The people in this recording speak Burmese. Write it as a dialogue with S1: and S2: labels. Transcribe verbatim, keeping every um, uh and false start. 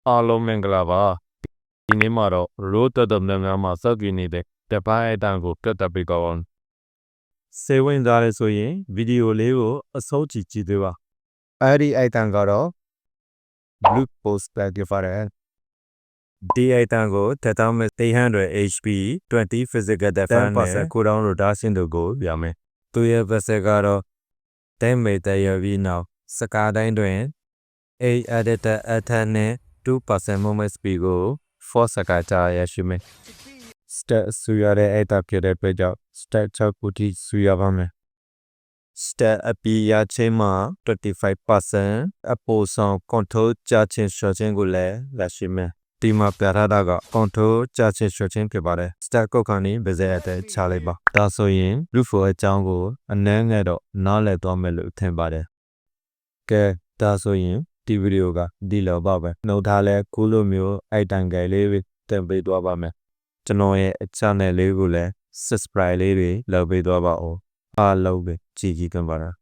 S1: အားလုံးမင်္ဂလာပါဒီနေ့မှာတော့ road တက်တဲ့များမှာစကြည့်နေတဲ့တပိုင်းအတန်ကိုပြတ်တက်ပြီးကောင်းစေဝင်သားလဲဆိုရင်ဗီဒီယိုလေးကိုအဆုံးကြည့်ကြည့်သေးပါအဲ့ဒီအတန်ကတော့ blue post ပဲကြပါရဲဒီအတန်ကိုတစ်သောင်းမဲ့ eight hundred H P twenty physical defense နဲ့ကိုတောင်းလို့ဒါဆင်းတို့ကိုပြမယ်သူရဲ့ vessel ကတော့တဲမေတရပြီးနောက်စကားတိုင်းတွင် A editor အထက်နဲ့two percent movement speed ကို four စကားကြာရရှိမယ် step ဆူရတဲ့အတပြတဲ့အတွက်ကြောင့် step ၆ခုထိဆူရပါမယ် step အပီရချင်းမှာ twenty-five percent အပိုဆောင် control ကြာချင်းရှော့ချင်းကိုလည်းလက်ရှိမယ်ဒီမှာပြထားတာက control ကြာချင်းရှော့ချင်းဖြစ်ပါတယ် step ကုတ်ခါနေပါစေအတဲ့ချလိုက်ပါဒါဆိုရင် roof အကြောင်းကိုအနည်းငယ်တော့နားလည်သွားမယ်လို့ထင်ပါတယ်ကဲဒါဆိုရင်ဒီဗီဒီယိုကဒီလောက်ပါပဲနှုတ်ထားလဲခုလိုမျိုးအိုက်တန်ကယ်လေးတွေတင်ပေးသွားပါမယ်ကျွန်တော်ရဲ့ channel လေးကိုလည်း subscribe လေးတွေလုပ်ပေးသွားပါဦးအားလုံးပဲကြည်ကြည်กันပါလား